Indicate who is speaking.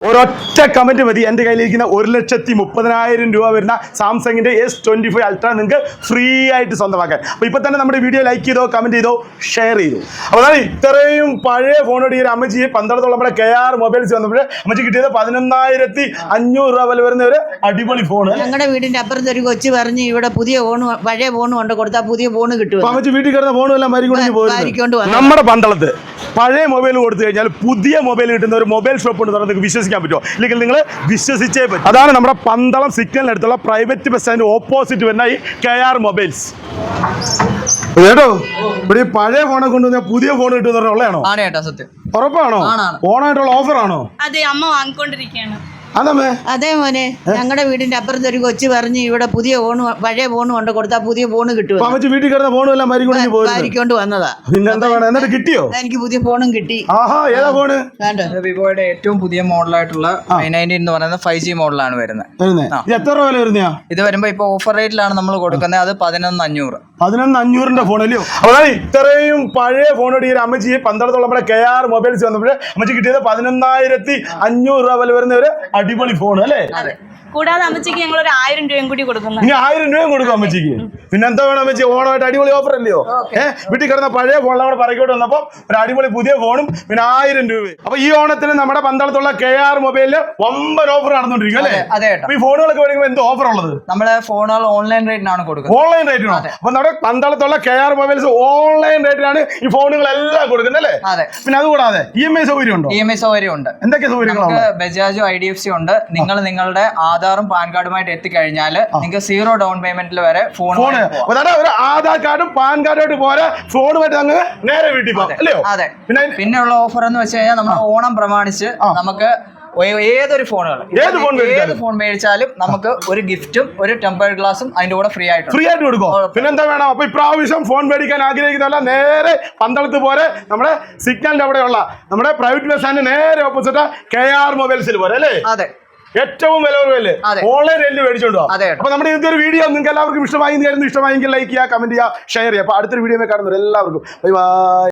Speaker 1: ഒരൊറ്റ കമന്റ് മതി എൻ്റെ കയ്യിലിരിക്കുന്ന 1,30,000 രൂപ വരുന്ന സാംസങ്ങിന്റെ S25 അൾട്ര നിങ്ങൾക്ക് ഫ്രീ ആയിട്ട് സ്വന്തമാക്കാൻ. അപ്പോൾ ഇപ്പോൾ തന്നെ നമ്മുടെ വീഡിയോ ലൈക്ക് ചെയ്തോ, കമന്റ് ചെയ്തോ, ഷെയർ ചെയ്തു. അപ്പോൾ അതാണ് ഇത്രയും പഴയ ഫോണോട് ഈ ഒരു അമ്മച്ചി പന്തളത്തോളം നമ്മുടെ KR മൊബൈൽസ് വന്നപ്പോൾ അമ്മച്ചി കിട്ടിയത് 11,500 രൂപ വില വരുന്ന ഒരു അടിപൊളി ഫോൺ.
Speaker 2: ഞങ്ങളുടെ വീടിന്റെ അപ്പുറത്ത് ഒരു കൊച്ചു പറഞ്ഞ് ഇവിടെ പുതിയ ഫോൺ, പഴയ ഫോൺ കൊണ്ട് കൊടുത്താൽ പുതിയ ഫോൺ കിട്ടും.
Speaker 1: അമ്മച്ചി വീട്ടിൽ കിടന്ന ഫോണും എല്ലാം മരിക്കൊണ്ട് നമ്മുടെ പന്തളത്ത് പഴയ മൊബൈൽ കൊടുത്തു കഴിഞ്ഞാൽ പുതിയ മൊബൈൽ കിട്ടുന്ന ഒരു മൊബൈൽ ഷോപ്പ് ഉണ്ട് നിങ്ങൾക്ക് വിശ്വസിക്കാൻ പറ്റുമോ? ഇല്ലെങ്കിൽ നിങ്ങൾ വിശ്വസിച്ചേ പറ്റും. അതാണ് നമ്മുടെ പന്തളം സിഗ്നലിനടുത്തുള്ള പ്രൈവറ്റ് ബസ് സ്റ്റാൻഡ് ഓപ്പോസിറ്റ് വരുന്ന ഈ KR മൊബൈൽസ്. കേട്ടോ, ഇവിടെ പഴയ ഫോണെ കൊണ്ടുവന്നാൽ പുതിയ ഫോൺ കിട്ടുന്ന ഉള്ളതാണോ? ഉറപ്പാണോ? ഓണായിട്ടുള്ള ഓഫർ ആണോ?
Speaker 3: അതെ, അമ്മ വാങ്ങിക്കൊണ്ടിരിക്കുകയാണ്.
Speaker 2: അതെ മോനെ, ഞങ്ങളുടെ വീടിന്റെ അപ്പുറത്ത് ഒരു കൊച്ചു പറഞ്ഞ് ഇവിടെ പുതിയ ഫോൺ, പഴയ ഫോൺ കൊണ്ട് കൊടുത്താൽ പുതിയ ഫോൺ കിട്ടും.
Speaker 1: വീട്ടിൽ കിടന്ന ഫോണും എല്ലാം
Speaker 2: മരിക്കൊണ്ട് വന്നതാ.
Speaker 1: പിന്നെന്താ വേണം? എന്നിട്ട് കിട്ടിയോ?
Speaker 2: എനിക്ക് പുതിയ ഫോണും കിട്ടി.
Speaker 1: ഏതാ ഫോണ്?
Speaker 4: വിവോയുടെ ഏറ്റവും പുതിയ മോഡലായിട്ടുള്ള i90 എന്ന് പറയുന്ന 5G മോഡലാണ് വരുന്നത്.
Speaker 1: എത്ര രൂപ വരുന്ന?
Speaker 4: ഇത് വരുമ്പോ ഇപ്പൊ ഓഫർ റേറ്റിലാണ് നമ്മൾ കൊടുക്കുന്നത്. അത് 11,500.
Speaker 1: 11,500 ഫോൺ അല്ലയോ? അതാണ് ഇത്രയും പഴയ ഫോണോട് ഈ ഒരു അമ്മച്ചി പന്തളത്തോളം നമ്മുടെ KR മൊബൈൽസ് വന്നപ്പോൾ അമ്മച്ചി കിട്ടിയത് 11,500 രൂപ വില വരുന്ന ഒരു അടിപൊളി ഫോൺ അല്ലേ?
Speaker 3: കൂടാതെ അമ്മച്ചിക്ക് ഞങ്ങൾ ഒരു 1,000 രൂപയും കൂടി കൊടുക്കുന്നു.
Speaker 1: ഇനി 1,000 രൂപയും കൊടുക്കും അമ്മച്ചിക്ക്. പിന്നെ എന്താ വേണം അമ്മച്ചി? ഓണമായിട്ട് അടിപൊളി ഓഫർ അല്ലയോ? വീട്ടിൽ കിടന്ന പഴയ ഫോൺ നമ്മുടെ പറക്കോട്ട് വന്നപ്പോ ഒരു അടിപൊളി പുതിയ ഫോണും പിന്നെ 1,000 രൂപ. അപ്പൊ ഈ ഓണത്തിന് നമ്മുടെ പന്തളത്തുള്ള KR മൊബൈലില് വമ്പൻ ഓഫർ നടന്നുകൊണ്ടിരിക്കും അല്ലേ?
Speaker 4: അതെ.
Speaker 1: ഈ ഫോണുകളൊക്കെ മേടിക്കുമ്പോൾ എന്ത് ഓഫർ ഉള്ളത്?
Speaker 4: നമ്മളെ ഫോണുകൾ ഓൺലൈൻ റേറ്റിനാണ് കൊടുക്കുന്നത്.
Speaker 1: ഓൺലൈൻ റേറ്റിനോ? അപ്പൊ നമ്മുടെ പന്തളത്തുള്ള KR മൊബൈൽസ് ഓൺലൈൻ റേറ്റിനാണ് ഈ ഫോണുകളെല്ലാം കൊടുക്കുന്നത് അല്ലേ?
Speaker 4: അതെ.
Speaker 1: പിന്നെ അതുകൂടാതെ EMI സൗകര്യം ഉണ്ടോ?
Speaker 4: EMI സൗകര്യം ഉണ്ട്.
Speaker 1: എന്തൊക്കെ സൗകര്യങ്ങളാണ്?
Speaker 4: ബജാജും IDFC ഉണ്ട്. നിങ്ങൾ നിങ്ങളുടെ ആധാറും പാൻ കാർഡുമായിട്ട് എത്തിക്കഴിഞ്ഞാൽ നിങ്ങൾക്ക് 0 ഡൗൺ പേയ്മെന്റിൽ വരെ ഫോൺ
Speaker 1: ഒരു ആധാർ കാർഡും പാൻ കാർഡുമായിട്ട് പോരാ, ഫോണുമായിട്ട് അങ്ങ് നേരെ വീട്ടിൽ പോകും അല്ലയോ?
Speaker 4: അതെ. പിന്നെയുള്ള ഓഫർ എന്ന് വെച്ച് കഴിഞ്ഞാൽ നമ്മൾ ഓണം പ്രമാണിച്ച് നമുക്ക് ഏതൊരു ഫോൺ മേടിച്ചാലും നമുക്ക് ഒരു ഗിഫ്റ്റും ഒരു ടെമ്പർ ഗ്ലാസും അതിന്റെ കൂടെ ഫ്രീ ആയിട്ട്
Speaker 1: കൊടുക്കും. പിന്നെന്താ വേണം? അപ്പൊ ഇപ്രാവശ്യം ഫോൺ മേടിക്കാൻ ആഗ്രഹിക്കുന്നതല്ല, നേരെ പന്തളത്ത് പോലെ നമ്മുടെ സിഗ്നലിന്റെ അവിടെയുള്ള നമ്മുടെ പ്രൈവറ്റ് ബസ് സ്റ്റാൻഡ് നേരെ ഓപ്പോസിറ്റ് KR മൊബൈൽസിൽ പോലെ അല്ലേ?
Speaker 4: അതെ.
Speaker 1: ഏറ്റവും വില ഓൺലൈൻ റേറ്റിൽ മേടിച്ചോണ്ടോ? അപ്പൊ നമ്മുടെ ഇന്നത്തെ ഒരു വീഡിയോ നിങ്ങൾക്ക് എല്ലാവർക്കും ഇഷ്ടമായെങ്കിൽ ലൈക്ക് ചെയ്യുക, കമന്റ് ചെയ്യുക, ഷെയർ ചെയ്യുക. അപ്പൊ അടുത്തൊരു വീഡിയോ കാണുന്നവർ എല്ലാവർക്കും ബൈ ബൈ.